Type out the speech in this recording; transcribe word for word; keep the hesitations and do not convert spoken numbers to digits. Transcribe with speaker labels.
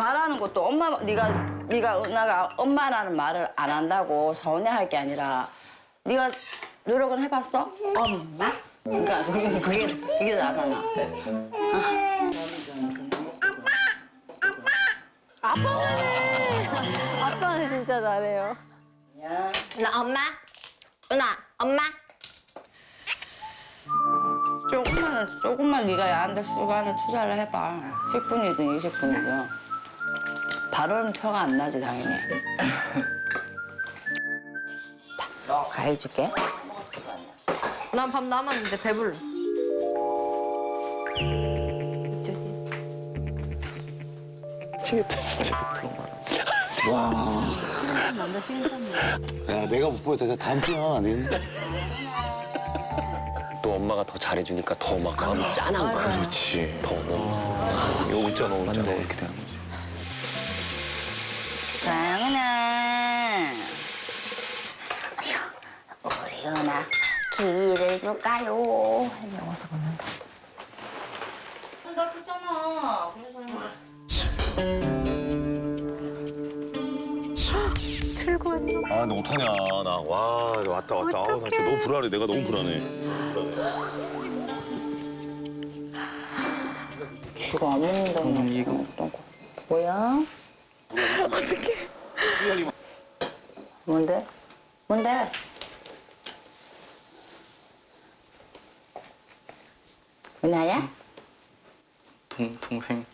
Speaker 1: 말하는 것도 엄마 네가 네가 은하가 엄마라는 말을 안 한다고 서운해할 게 아니라 네가 노력은 해봤어? 엄마? 그러니까 그게 그게 그게 나잖아.
Speaker 2: 아빠는 진짜 잘해요.
Speaker 3: 나 엄마? 은하, 엄마?
Speaker 1: 조금만 조금만 네가 얘한테 시간을 투자를 해봐. 십 분이든 이십 분이든. 바로는 표가 안 나지 당연히. 자, 과일 줄게.
Speaker 2: 난 밥 남았는데 배불러.
Speaker 4: 미치겠다 진짜.
Speaker 5: 와. 야, 내가 못 보였다. 다음 주야. 네.
Speaker 4: 또 엄마가 더 잘해주니까 더 막 마음이 짠한 거야.
Speaker 5: 그렇지.
Speaker 4: 더 너무. 이거 웃자 너 웃자 너
Speaker 5: 맞네.
Speaker 4: 이렇게 되는 거지.
Speaker 1: 장은아. 우리 은하 기회를 줄까요? 어서 걷는다. 나 크잖아.
Speaker 2: 들고 왔나?
Speaker 5: 아, 너 어떡하냐. 나. 와, 왔다, 왔다. 아, 나 진짜 너무 불안해. 내가 너무 불안해.
Speaker 1: 쥐가 안 먹는다고. 이거 어떤 거? 뭐야?
Speaker 2: 어떡해.
Speaker 1: 뭔데? 뭔데? 은하야?
Speaker 6: 동, 동생